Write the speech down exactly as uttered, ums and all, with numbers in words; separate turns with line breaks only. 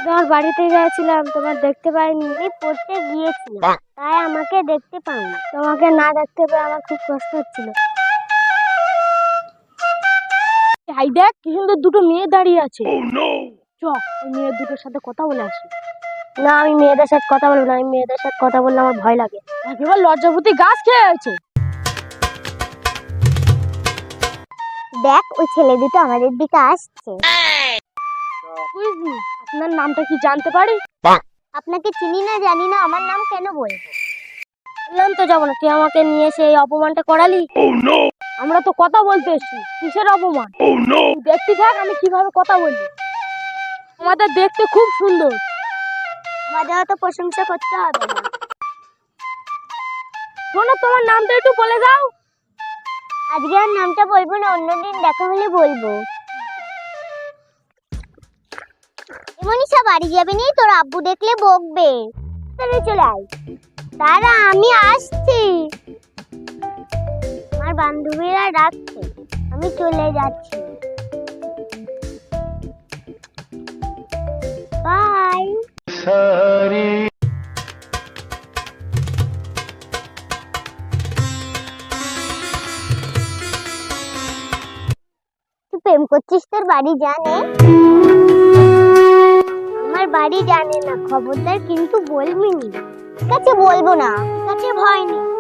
তোমার বাড়িতে গিয়েছিলাম, তোমার দেখতে পাইনি। আমি পড়তে গিয়েছিলাম, তাই আমাকে দেখতে পাইনি। তোমাকে না দেখতে পেয়ে আমার খুব কষ্ট হচ্ছিল। হাই দেখ, কি সুন্দর দুটো মেয়ে দাঁড়িয়ে আছে। চ, ওই মেয়ে দুটোর সাথে কথা বলে আসি। না, আমি মেয়েদের সাথে কথা বলবো না। আমি মেয়েদের সাথে কথা বললে আমার ভয় লাগে। একেবারে লজ্জাপতি গাছ খেয়ে আছে। দেখ, ওই ছেলে দুটো আমাদের দিকে আসছে। আপনার নামটা কি জানতে পারি? আপনাকে চিনি না, জানি না, আমার নাম কেন বলবো? বললাম তো যাবো না। তুই আমাকে নিয়ে এসে এই অপমানটা করালি। আমরা তো কথা বলতে এসছি, কিসের অপমান? দেখতে থাক আমি কিভাবে কথা বলি। আমাদের দেখতে খুব সুন্দর। আমাদের তো প্রশংসা করতে হবে না। শোনো, তোমার নামটা একটু বলে দাও। আজকে আর নামটা বলবো না, অন্যদিন দেখা হলে বলবো। মনীষা, বাড়ি যাবি নি? তোর আব্বু দেখলে বকবে। তাহলে চলে আয়। দাঁড়া, আমি আসছি। আমার বান্ধবীরা ডাকছে, আমি চলে যাচ্ছি। বাই। তুই প্রেম করছিস? তোর বাড়ি জানে? আমার বাড়ি জানে না, খবরদার কিন্তু বলবি না। ঠিক আছে, বলবো না। ঠিক আছে, ভয় নেই।